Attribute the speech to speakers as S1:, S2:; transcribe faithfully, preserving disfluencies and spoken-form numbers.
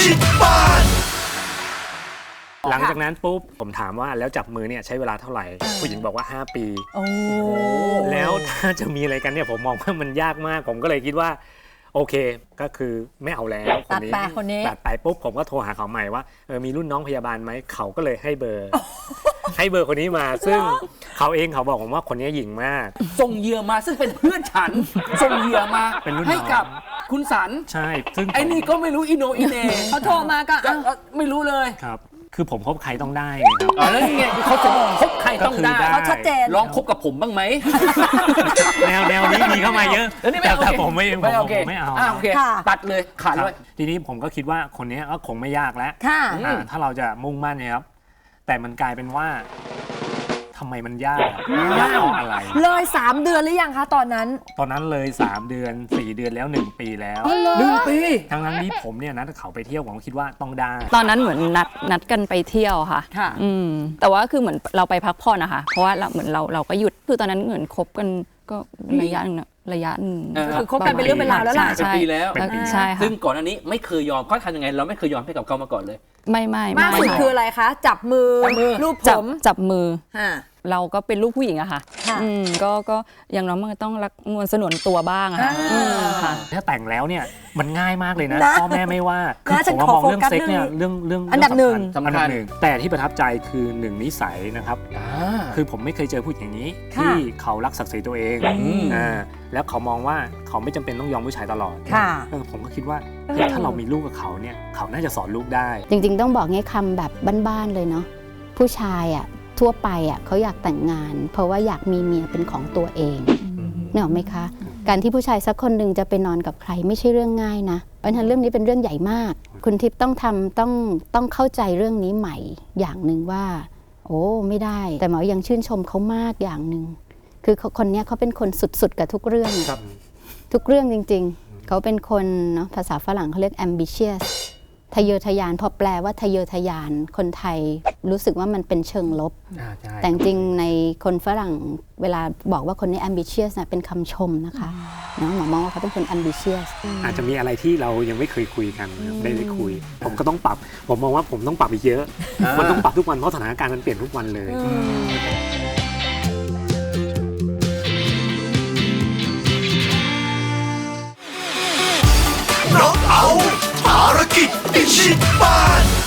S1: ชิดบ้าน
S2: หลังจากนั้นปุ๊บผมถามว่าแล้วจับมือเนี่ยใช้เวลาเท่าไหร่ผู้หญิงบอกว่าห้าปี
S3: โอ้
S2: แล้วถ้าจะมีอะไรกันเนี่ยผมมองว่ามันยากมากผมก็เลยคิดว่าโอเคก็คือไม่เอาแล้วคนนี้
S3: ตัดไปคนนี้
S2: ตัดไปปุ๊บผมก็โทรหาเขาใหม่ว่าเออมีรุ่นน้องพยาบาลไหมเขาก็เลยให้เบอร์ให้เบอร์คนนี้มาซึ่งเขาเองเขาบอกผมว่าคนนี้หญิงมาก
S4: ส่งเหยื่อมาซึ่งเป็นเพื่อนฉันส่งเหยื่อมาให้กับคุณสัน
S2: ใช่ซึ่ง
S4: ไอ้นี่ก็ไม่รู้อิโนอิเน
S3: เขาโทรมาก็
S4: ไม่รู้เลย
S2: ครับคือผมคบใครต้องได้ไงครับ
S4: แล้วนี่ไงเขาจะคบใครต้องได้
S3: เขาชัดเจน
S4: ลองคบกับผมบ้างไหม
S2: แนวแนวนี้มีเข้ามาเยอะแต่ผมไม่ผมไม่เอา
S4: โอเคตัดเลยขาดเลย
S2: ทีนี้ผมก็คิดว่าคนนี้ก็คงไม่ยากแล้วถ้าเราจะมุ่งมั่นนะครับแต่มันกลายเป็นว่าทำไมมันยากยากอะไร
S3: เลยสามเดือนหรือยังคะตอนนั้น
S2: ตอนนั้นเลยสามเดือนสี่เดือนแล้วหนึ่งปีแล้ว
S4: หนึ่งปี
S2: ทั้งนั้นที่ผมเนี่ยนัดเขาไปเที่ยวผมคิดว่าต้องได้
S5: ตอนนั้นเหมือนนัดนัดกันไปเที่ยวค่ะ
S3: ค่ะ
S5: อืมแต่ว่าคือเหมือนเราไปพักผ่อนนะคะเพราะว่าเราเหมือนเราเราก็หยุดคือตอนนั้นเหมือนคบกันก็ระยะนึงระยะนึง
S3: คือคบกันเป็นเรื่องเป็นราวแล้วล่ะ
S4: เป็นปีแล้ว
S5: ใช่ค่ะ
S4: ซึ่งก่อนอันนี้ไม่เคยยอมเขาทำยังไงเราไม่เคยยอมให้กับเขามาก่อนเลย
S5: ไม่ไม่
S3: มากสุดคืออะไรคะจับมือรูปผม
S5: จับมือเราก็เป็นลูกผู้หญิงอะค่ะอืมก็ก็อย่างน้อยมันก็ต้องรักนวลสนวนตัวบ้างอะค่ะ
S2: ถ้าแต่งแล้วเนี่ยมันง่ายมากเลยนะพ่อแม่ไม่ว่าคือผมมองเรื่องเซ็กเนี่ยเรื่องเรื่อง
S3: อันดับหนึ่ง
S2: สำคัญหนึ่งแต่ที่ประทับใจคือหนึ่งนิสัยนะครับคือผมไม่เคยเจอผู้หญิงอย่างนี้ที่เขารักศักดิ์ศรีตัวเองอ่าแล้วเขามองว่าเขาไม่จำเป็นต้องยอมผู้ชายตลอดผมก็คิดว่าถ้าเรามีลูกกับเขาเนี่ยเขาน่าจะสอนลูกได้
S6: จริงๆต้องบอกงี้คำแบบบ้านๆเลยเนาะผู้ชายอ่ะทั่วไปอ่ะเขาอยากแต่งงานเพราะว่าอยากมีเมียเป็นของตัวเองเนี่ยหรอไหมคะการที่ผู้ชายสักคนหนึ่งจะไปนอนกับใครไม่ใช่เรื่องง่ายนะเพราะฉะนั้นเรื่องนี้เป็นเรื่องใหญ่มากคุณทิพย์ต้องทำต้องต้องเข้าใจเรื่องนี้ใหม่อย่างหนึ่งว่าโอ้ไม่ได้แต่หมอยังชื่นชมเขามากอย่างหนึ่งคือคนนี้เขาเป็นคนสุดๆกับทุกเรื่องทุกเรื่องจริงๆเขาเป็นคนเนาะภาษาฝรั่งเขาเรียก ambitious ทะเยอทะยานพอแปลว่าทะเยอทะยานคนไทยรู้สึกว่ามันเป็นเชิงลบแต่จริงในคนฝรั่งเวลาบอกว่าคนนี้ ambitious นะเป็นคำชมนะคะเนาะหมอมองว่าเขาเป็นคน ambitious
S2: อาจจะมีอะไรที่เรายังไม่เคยคุยกันได้ได้คุยผมก็ต้องปรับผมมองว่าผมต้องปรับอีกเยอะมันต้องปรับทุกวันเพราะสถานการณ์มันเปลี่ยนทุกวันเลย
S1: น้องเอาภารกิจพิชิตบ้าน